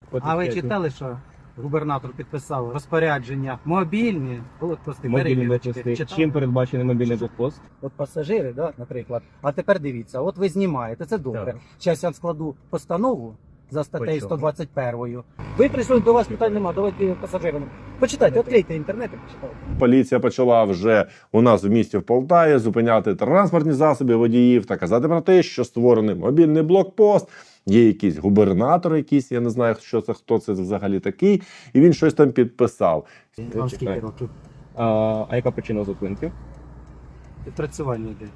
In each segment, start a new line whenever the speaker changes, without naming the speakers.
А ви читали, що губернатор підписав розпорядження мобільні блокпости,
Мобільні
перевірочки?
блокпости.
Читали?
Чим передбачений мобільний блокпост?
От пасажири, да, наприклад. А тепер дивіться, от ви знімаєте, це добре.
Так.
Зараз я складу постанову за статтею
По чому?
121. Ви прийшли, до вас питань немає, давайте пасажирам. Почитайте, відкрийте інтернет і почитайте.
Поліція почала вже у нас в місті в Полтаві зупиняти транспортні засоби водіїв та казати про те, що створений мобільний блокпост. Є якийсь губернатор, якийсь, я не знаю, що це, хто це взагалі такий, і він щось там підписав.
Вам скільки років?
А яка причина зупинки?
Відпрацювання йде.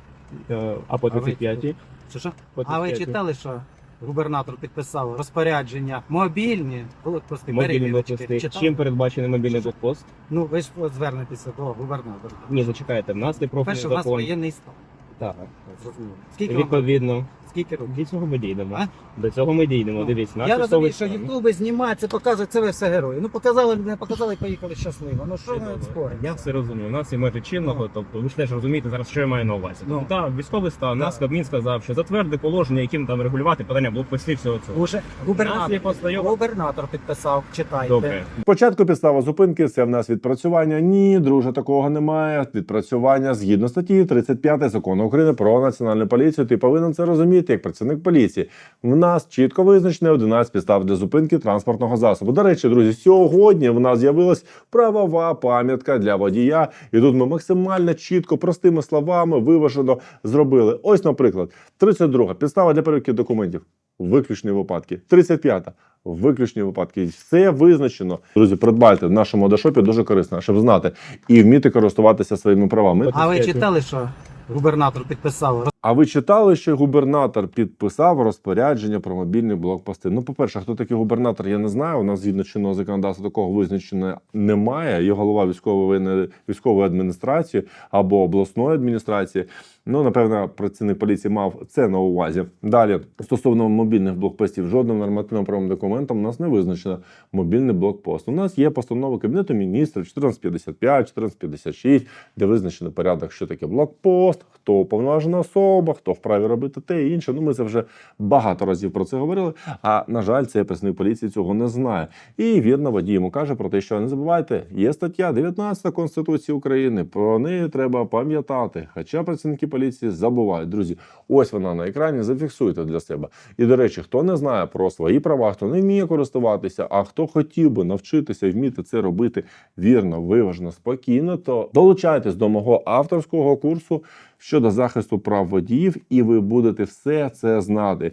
А по
А ви-
35-й?
Що?
По
А ви
35-й?
читали, що губернатор підписав розпорядження мобільні блокпости,
Мобільні
перевірочки?
блокпости.
Читали?
Чим передбачений мобільний блокпост?
Ну, ви ж от звернетеся до губернатора.
Ні, зачекайте, в нас є профільний
Перше, у нас
закон.
воєнний стан.
Так.
Зрозуміло. Скільки вам?
Відповідно,
Скільки років?
до цього ми дійдемо.
А?
До цього ми дійдемо.
Ну,
Дивіться, наш
я розумію,
військовий
що
стан.
ютуби знімають, це показують, це ви все герої. Ну показали, не показали, поїхали щасливо. Ну що ми
Чудово.
споримо?
Я все розумію. У нас є межі чинного, тобто ви ж теж розумієте зараз, що я маю на увазі.
Ну.
Так, військовий стан,
Так.
нас Кабмін сказав, що затверди положення, яким там регулювати питання блокпостів всього цього.
Уже
У нас є постанова.
губернатор підписав, читайте.
Добре.
Спочатку підстава зупинки – це в нас відпрацювання. Ні, друже, такого немає. Відпрацювання згідно статті 35 Закону України про національну поліцію. Ти повинен це розуміти як працівник поліції. В нас чітко визначено 11 підстав для зупинки транспортного засобу. До речі, друзі, сьогодні в нас з'явилась правова пам'ятка для водія. І тут ми максимально чітко, простими словами, виважено зробили. Ось, наприклад, 32 підстава для перевірки документів. Виключні випадки. 35-та. Виключні випадки. Все визначено. Друзі, придбайте в нашому Одашопі, дуже корисно, щоб знати і вміти користуватися своїми правами.
А ви читали, що губернатор підписав
А ви читали, що губернатор підписав розпорядження про мобільні блокпости? Ну, по-перше, хто такий губернатор, я не знаю. У нас згідно чинного законодавства такого визначення немає. Є голова військової адміністрації або обласної адміністрації. Ну, напевно, працівник поліції мав це на увазі. Далі, стосовно мобільних блокпостів, жодним нормативно-правовим документом у нас не визначено мобільний блокпост. У нас є постанова Кабінету міністрів 1455, 1456, де визначено порядок, що таке блокпост, хто уповноважена особа, хто вправі робити те і інше. Ну, ми це вже багато разів про це говорили, а, на жаль, цей працівник поліції цього не знає. І вірно водій йому каже про те, що не забувайте, є стаття 19 Конституції України, про неї треба пам'ятати, хоча працівники поліції забувають. Друзі, ось вона на екрані, зафіксуйте для себе. І, до речі, хто не знає про свої права, хто не вміє користуватися, а хто хотів би навчитися і вміти це робити вірно, виважено, спокійно, то долучайтесь до мого авторського курсу щодо захисту прав водіїв, і ви будете все це знати.